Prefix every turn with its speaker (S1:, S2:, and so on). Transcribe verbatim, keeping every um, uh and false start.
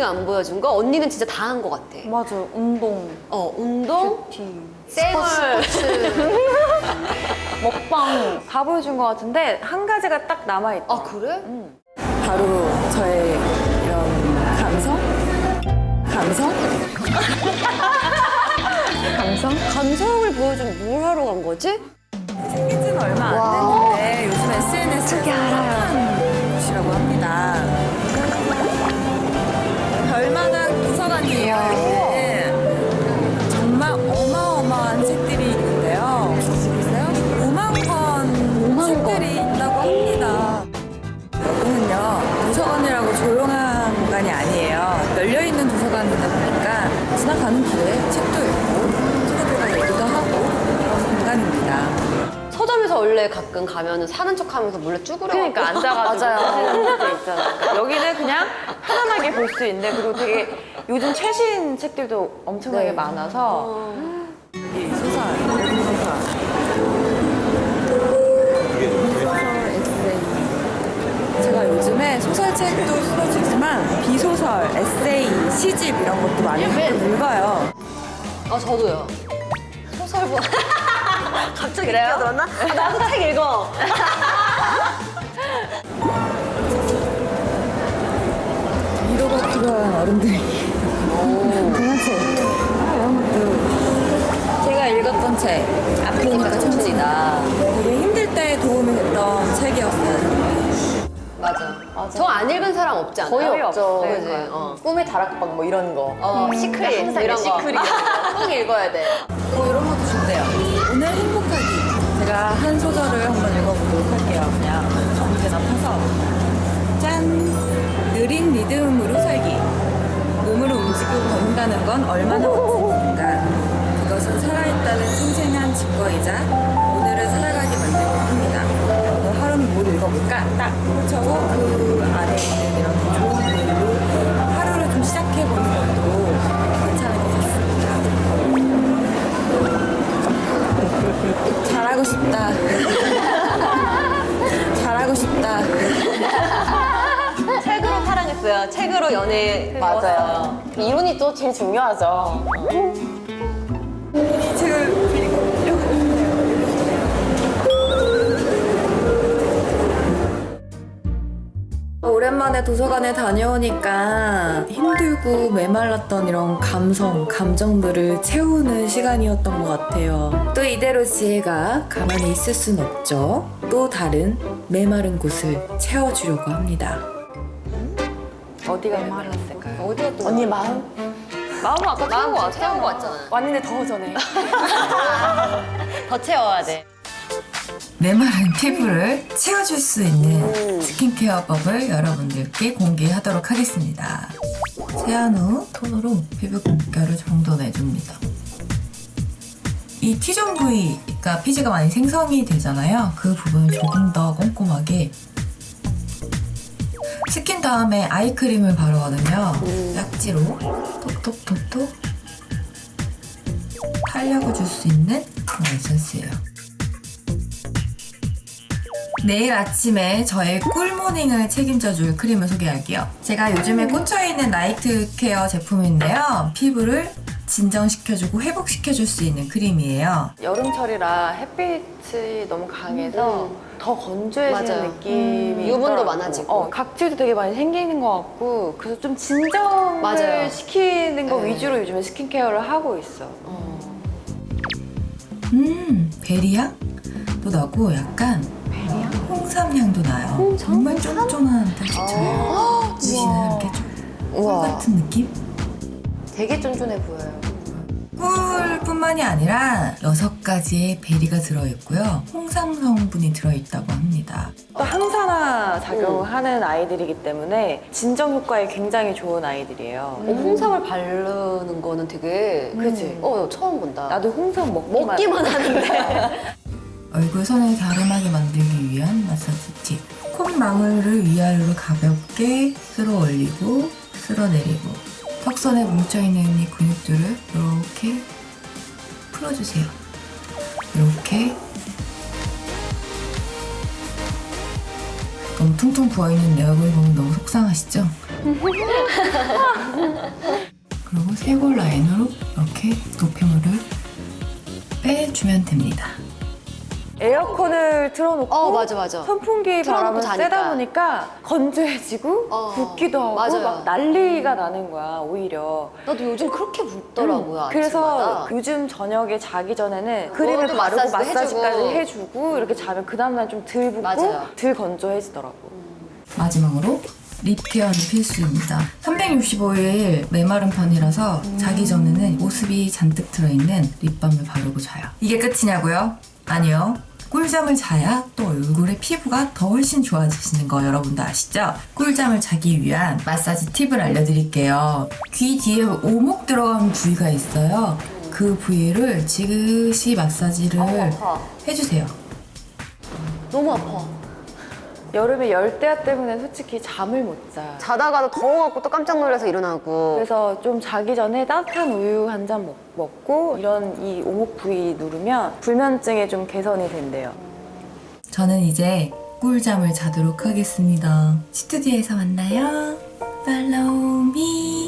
S1: 언니가 안 보여준 거? 언니는 진짜 다 한 거 같아.
S2: 맞아, 운동,
S1: 어, 운동,
S2: 뷰티,
S1: 쌩얼, 스포츠.
S2: 먹방 다 보여준 것 같은데 한 가지가 딱 남아있다.
S1: 아, 그래?
S2: 응. 바로 저의 이런 감성? 감성? 감성?
S1: 감성을 보여주면 뭘 하러 간 거지?
S2: 생긴 지는 얼마 안 됐는데 요즘 에스엔에스에서 핫한 곳이라고 합니다. 별만한 도서관이에요. 여기는 정말 어마어마한 책들이 있는데요. 보세요. 오만 권 책들이 있다고 합니다. 여기는요, 도서관이라고 조용한 공간이 아니에요. 열려있는 도서관이다 보니까 지나가는 길에 책도 읽고 친구들과 얘기도 하고 그런 공간입니다.
S1: 서점에서 원래 가끔 가면은 사는 척 하면서 몰래 쭈그려.
S2: 그러니까 앉아가지고
S1: 맞아요.
S2: 하시는 분들 있잖아요. 그러니까 여기는 그냥 편안하게 볼 수 있는데, 그리고 되게 요즘 최신 책들도 엄청나게
S1: 네.
S2: 많아서
S1: 어.
S2: 이 소설, 외국 소설. 소설 에세이. 제가 요즘에 소설책도 읽지만 비소설, 에세이, 시집 이런 것도 많이 읽어요.
S1: 아, 저도요. 소설보. 갑자기 끼어들었나? 아, 나도 책 읽어.
S2: 위로가 필요한 어른들이 동화책 이런 것도 제가 읽었던 책 아프니까 천지다. 되게 힘들 때 도움이 됐던 책이었어요.
S1: 맞아. 저 안 읽은 사람 없지 않아요?
S2: 거의 없죠.
S1: 그지? 어.
S3: 꿈의 다락방 뭐 이런 거.
S1: 어, 시크릿
S3: 항상
S1: 이런 거.
S3: 시크릿.
S1: 꼭 읽어야 돼.
S2: 뭐 이런 것도 좋대요. 오늘 행복하기. 제가 한 소절을 한번 읽어보도록 할게요. 그냥 아무데나 펴서. 짠! 느린 리듬으로 살기. 몸으로 움직이고 걷는다는 건 얼마나 멋진 일인가. 그것은 살아있다는 생생한 증거이자 오늘을 살아가게 만들고 합니다. 오늘 하루는 뭘 읽어볼까? 딱 펼쳐고 그 안에 있는 이런 좋은 글로 하루를 좀 시작해보는 것도 괜찮은 것 같습니다. 잘하고 싶다. 잘하고 싶다.
S1: 책으로 사랑했어요. 책으로 연애
S3: 맞아요. 이론이 또 제일 중요하죠.
S2: 이 책을 오랜만에 도서관에 다녀오니까 힘들고 메말랐던 이런 감성, 감정들을 채우는 시간이었던 것 같아요. 또 이대로 지혜가 가만히 있을 순 없죠. 또 다른 메마른 곳을 채워주려고 합니다. 어디가 메말랐을까요?
S1: 어디가 또
S3: 언니 마음?
S2: 마음은 아까 채운 거 같아.
S1: 채운 거 같잖아.
S3: 왔는데 더 전에.
S1: 더 채워야 돼.
S4: 메마른 피부를 채워줄 수 있는 스킨케어법을 여러분들께 공개하도록 하겠습니다. 세안 후 톤으로 피부결을 정돈해줍니다. 이 T존 부위가 피지가 많이 생성이 되잖아요. 그 부분을 조금 더 꼼꼼하게 스킨 다음에 아이크림을 바르거든요. 약지로 톡톡톡톡 탄력을 줄 수 있는 그런 에센스예요. 내일 아침에 저의 꿀모닝을 책임져줄 크림을 소개할게요. 제가 요즘에 꽂혀있는 나이트 케어 제품인데요. 피부를 진정시켜주고 회복시켜줄 수 있는 크림이에요.
S2: 여름철이라 햇빛이 너무 강해서
S1: 음.
S2: 더 건조해지는
S1: 맞아요.
S2: 느낌이
S1: 유분도
S2: 있더라고요.
S1: 많아지고.
S2: 어, 각질도 되게 많이 생기는 것 같고, 그래서 좀 진정을
S1: 맞아요.
S2: 시키는 거
S1: 네.
S2: 위주로 요즘에 스킨케어를 하고 있어.
S4: 음, 베리향도 나고 약간 홍삼향도 나요. 정말 쫀쫀한 텍스처예요. 드시는 이렇게 꿀 같은 느낌?
S3: 되게 쫀쫀해 보여요.
S4: 꿀뿐만이 아니라 여섯 가지의 베리가 들어있고요. 홍삼 성분이 들어있다고 합니다.
S2: 또 항산화 작용하는 아이들이기 때문에 진정 효과에 굉장히 좋은 아이들이에요.
S1: 어, 홍삼을 바르는 거는 되게
S2: 그치?
S1: 어, 처음 본다.
S2: 나도 홍삼 먹기만,
S1: 먹기만 하는데.
S4: 얼굴 선을 갸름하게 만들기 위한 마사지 팁. 콧망울을 위아래로 가볍게 쓸어 올리고 쓸어 내리고 턱선에 뭉쳐있는 이 근육들을 이렇게 풀어주세요. 이렇게 너무 퉁퉁 부어있는 내 얼굴 보면 너무 속상하시죠? 그리고 쇄골 라인으로 이렇게 노폐물을 빼주면 됩니다.
S2: 에어컨을 틀어놓고
S1: 어, 맞아, 맞아.
S2: 선풍기
S1: 틀어놓고
S2: 바람을
S1: 자니까.
S2: 쐬다 보니까 건조해지고
S1: 어,
S2: 붓기도 하고
S1: 맞아요.
S2: 막 난리가 나는 거야 오히려.
S1: 나도 요즘 그렇게 붓더라고요.
S2: 음, 그래서
S1: 아침마다.
S2: 요즘 저녁에 자기 전에는 크림을
S1: 그것도
S2: 바르고
S1: 마사지도
S2: 마사지까지
S1: 해주고.
S2: 해주고 이렇게 자면 그 다음날 좀 덜 붓고
S1: 맞아요.
S2: 덜 건조해지더라고.
S4: 마지막으로 립 케어는 필수입니다. 삼백육십오 일 메마른 편이라서 자기 전에는 보습이 잔뜩 들어있는 립밤을 바르고 자요. 이게 끝이냐고요? 아니요. 꿀잠을 자야 또 얼굴의 피부가 더 훨씬 좋아지시는 거 여러분도 아시죠? 꿀잠을 자기 위한 마사지 팁을 알려드릴게요. 귀 뒤에 오목 들어가는 부위가 있어요. 그 부위를 지그시 마사지를
S1: 아파.
S4: 해주세요.
S1: 너무 아파.
S2: 여름에 열대야 때문에 솔직히 잠을 못 자.
S1: 자다가도 더워갖고 또 깜짝 놀라서 일어나고.
S2: 그래서 좀 자기 전에 따뜻한 우유 한 잔 먹고 이런 이 오목 부위 누르면 불면증에 좀 개선이 된대요.
S4: 저는 이제 꿀잠을 자도록 하겠습니다. 스튜디오에서 만나요. Follow me.